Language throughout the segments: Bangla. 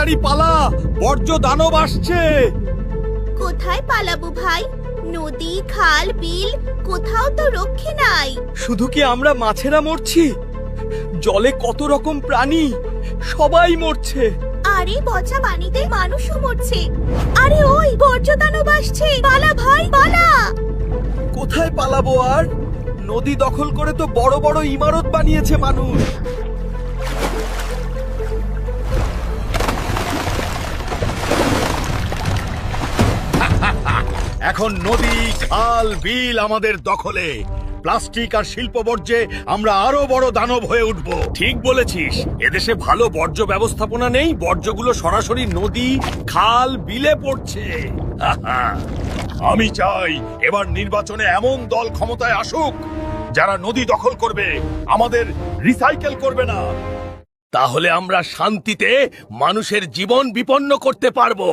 তাড়াতাড়ি পালা, বর্জ্য দানব আসছে। কোথায় পালাবো ভাই? নদী, খাল, বিল কোথাও তো রক্ষে নাই। শুধু কি আমরা মাছেরা মরছি? জলে কত রকম প্রাণী, সবাই মরছে। আরে পচা পানিতে মানুষও মরছে। আরে ওই বর্জ্য দানব আসছে, পালা ভাই পালা। কোথায় পালাবো আর? নদী দখল করে তো বড় বড় ইমারত বানিয়েছে মানুষ। এখন নদী, খাল, বিল আমাদের দখলে। প্লাস্টিক আর শিল্প বর্জ্যে আমরা আরো বড় দানব হয়ে উঠব। ঠিক বলেছিস, এদেশে ভালো বর্জ্য ব্যবস্থাপনা নেই, বর্জ্যগুলো সরাসরি নদী, খাল, বিলে পড়ছে। আমি চাই এবার নির্বাচনে এমন দল ক্ষমতায় আসুক যারা নদী দখল করবে, আমাদের রিসাইকেল করবে না। তাহলে আমরা শান্তিতে মানুষের জীবন বিপন্ন করতে পারবো।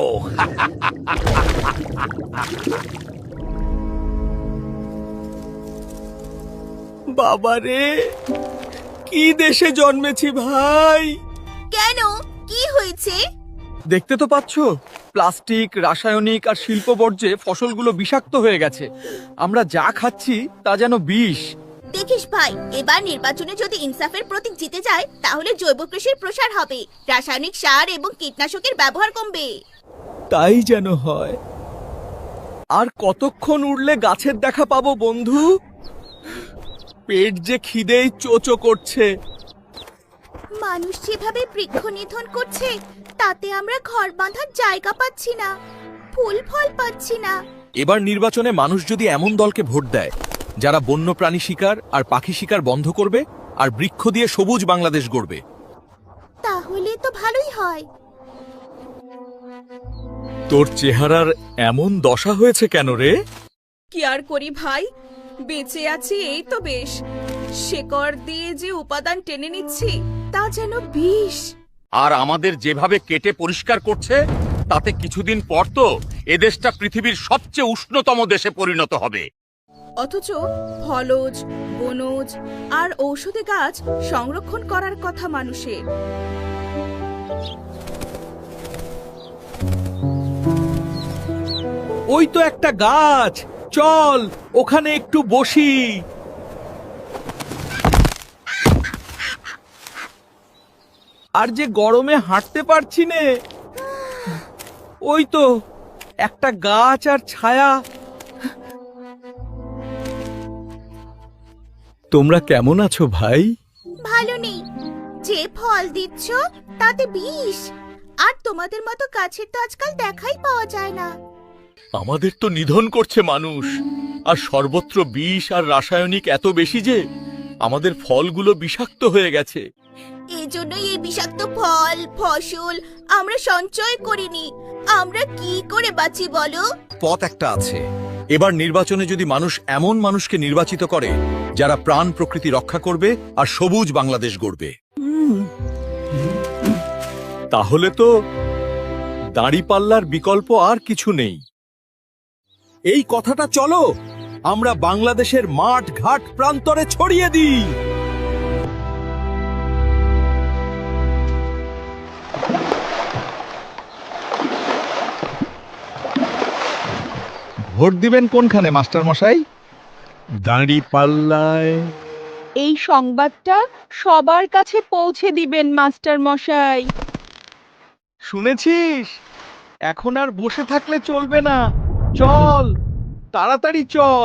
বাবারে, কি দেশে জন্মেছি ভাই! কেন, কি হয়েছে? দেখতে তো পাচ্ছ, প্লাস্টিক, রাসায়নিক আর শিল্প বর্জ্যে ফসলগুলো বিষাক্ত হয়ে গেছে। আমরা যা খাচ্ছি তা যেন বিষ। দেখিস ভাই, এবার নির্বাচনে যদি ইনসাফের প্রতীক জিতে যায় তাহলে জৈব কৃষির প্রসার হবে, রাসায়নিক সার এবং কীটনাশকের ব্যবহার কমবে। তাই যেন হয়। আর কতক্ষণ উড়লে গাছের দেখা পাবো বন্ধু? পেট যে খিদেই চোচো করছে। মানুষ যেভাবে বৃক্ষ নিধন করছে তাতে আমরা ঘর বাঁধার জায়গা পাচ্ছি না, ফুল ফল পাচ্ছি না। এবার নির্বাচনে মানুষ যদি এমন দলকে ভোট দেয় যারা বন্যপ্রাণী শিকার আর পাখি শিকার বন্ধ করবে আর বৃক্ষ দিয়ে সবুজ বাংলাদেশ গড়বে, তাহলে তো ভালোই হয়। তোর চেহারার এমন দশা হয়েছে কেন রে? কি আর করি ভাই, বেঁচে আছি এই তো বেশ। শেকড় দিয়ে যে উপাদান টেনে নিচ্ছি তা যেন বিষ। আর আমাদের যেভাবে কেটে পরিষ্কার করছে তাতে কিছুদিন পর তো এদেশটা পৃথিবীর সবচেয়ে উষ্ণতম দেশে পরিণত হবে। অথচ ফলজ, বনজ আর ঔষধি গাছ সংরক্ষণ করার কথা মানুষের। ওই তো একটা গাছ, চল ওখানে একটু বসি। আর যে গরমে হাঁটতে পারছি নে। ওই তো একটা গাছ আর ছায়া। তোমরা কেমন আছো ভাই? ভালো নেই, যে ফল দিচ্ছ তাতে বিষ, আর তোমাদের মতো গাছের তো আজকাল দেখাই পাওয়া যায় না। আমাদের তো নিধন করছে মানুষ, আর সর্বত্র বিষ আর রাসায়নিক এত বেশি যে আমাদের ফলগুলো বিষাক্ত হয়ে গেছে। এজন্যই এই বিষাক্ত ফল, ফসল আমরা সঞ্চয় করিনি। আমরা কি করে বাঁচি বলো? পথ একটা আছে। এবার নির্বাচনে যদি মানুষ এমন মানুষকে নির্বাচিত করে যারা প্রাণ প্রকৃতি রক্ষা করবে আর সবুজ বাংলাদেশ গড়বে, তাহলে তো দাঁড়িপাল্লার বিকল্প আর কিছু নেই। এই কথাটা চলো আমরা বাংলাদেশের মাঠ ঘাট প্রান্তরে ছড়িয়ে দিই। ভোট দিবেন কোনখানে মাস্টার মশাই? দাঁড়িপাল্লায়। এই সংবাদটা সবার কাছে পৌঁছে দিবেন মাস্টার মশাই। শুনেছিস? এখন আর বসে থাকলে চলবে না, চল তাড়াতাড়ি চল।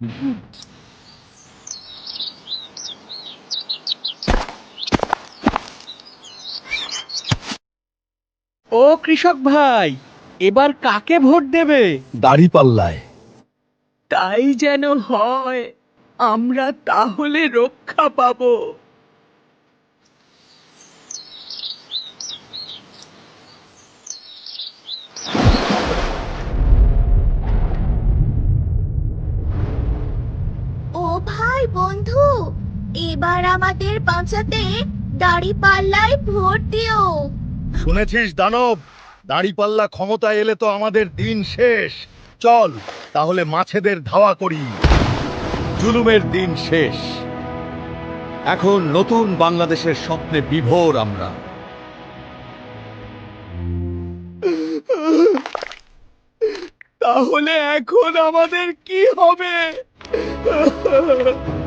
ও কৃষক ভাই, এবার কাকে ভোট দেবে? দাঁড়িপাল্লায়। তাই যেন হয়, আমরা তাহলে রক্ষা পাবো। ও ভাই বন্ধু, এবার আমাদের বাঁচাতে দাঁড়িপাল্লায় ভোট দিও। শুনেছিস দানব, দাঁড়িপাল্লা ক্ষমতায় এলে তো আমাদের দিন শেষ। চল তাহলে মাছেদের ধাওয়া করি। জুলুমের দিন শেষ, এখন নতুন বাংলাদেশের স্বপ্নে বিভোর আমরা। তাহলে এখন আমাদের কি হবে?